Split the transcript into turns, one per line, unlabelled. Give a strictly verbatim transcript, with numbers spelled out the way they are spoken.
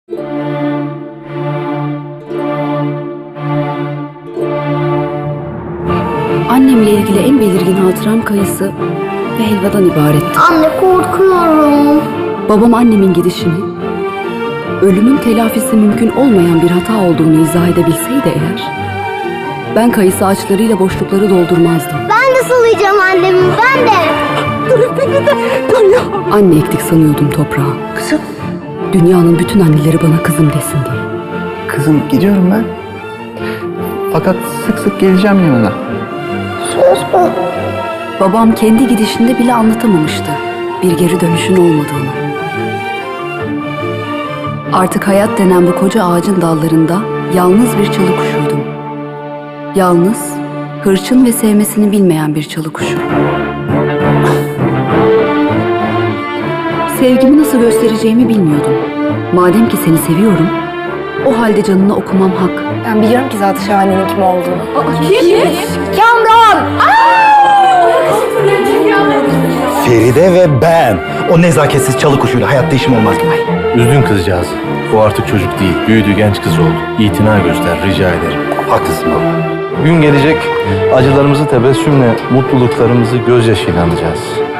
Annemle ilgili en belirgin hatıram kayısı ve helvadan ibaretti.
Anne, korkuyorum.
Babam annemin gidişini, ölümün telafisi mümkün olmayan bir hata olduğunu izah edebilseydi eğer, ben kayısı ağaçlarıyla boşlukları doldurmazdım.
Ben de sulayacağım annemi, ben de.
Dur beni de, dur ya.
Anne ektik sanıyordum toprağa.
Kızım.
Dünyanın bütün anneleri bana kızım desin diye.
Kızım gidiyorum ben. Fakat sık sık geleceğim yanına.
Söz mü?
Babam kendi gidişinde bile anlatamamıştı bir geri dönüşün olmadığını. Artık hayat denen bu koca ağacın dallarında yalnız bir çalı kuşuydum. Yalnız, hırçın ve sevmesini bilmeyen bir çalı kuşu. Sevgimi nasıl göstereceğimi bilmiyordum. Madem ki seni seviyorum, o halde canını okumam hak.
Ben biliyorum ki zaten Şahane'nin kim olduğunu.
Feride ve ben. O nezaketsiz çalı kuşuyla hayatta işim olmaz.
Üzdün kızcağız. O artık çocuk değil. Büyüdü, genç kız oldu. İtina göster, rica ederim.
Haklısın baba.
Gün gelecek, acılarımızı tebessümle, mutluluklarımızı gözyaşıyla anacağız.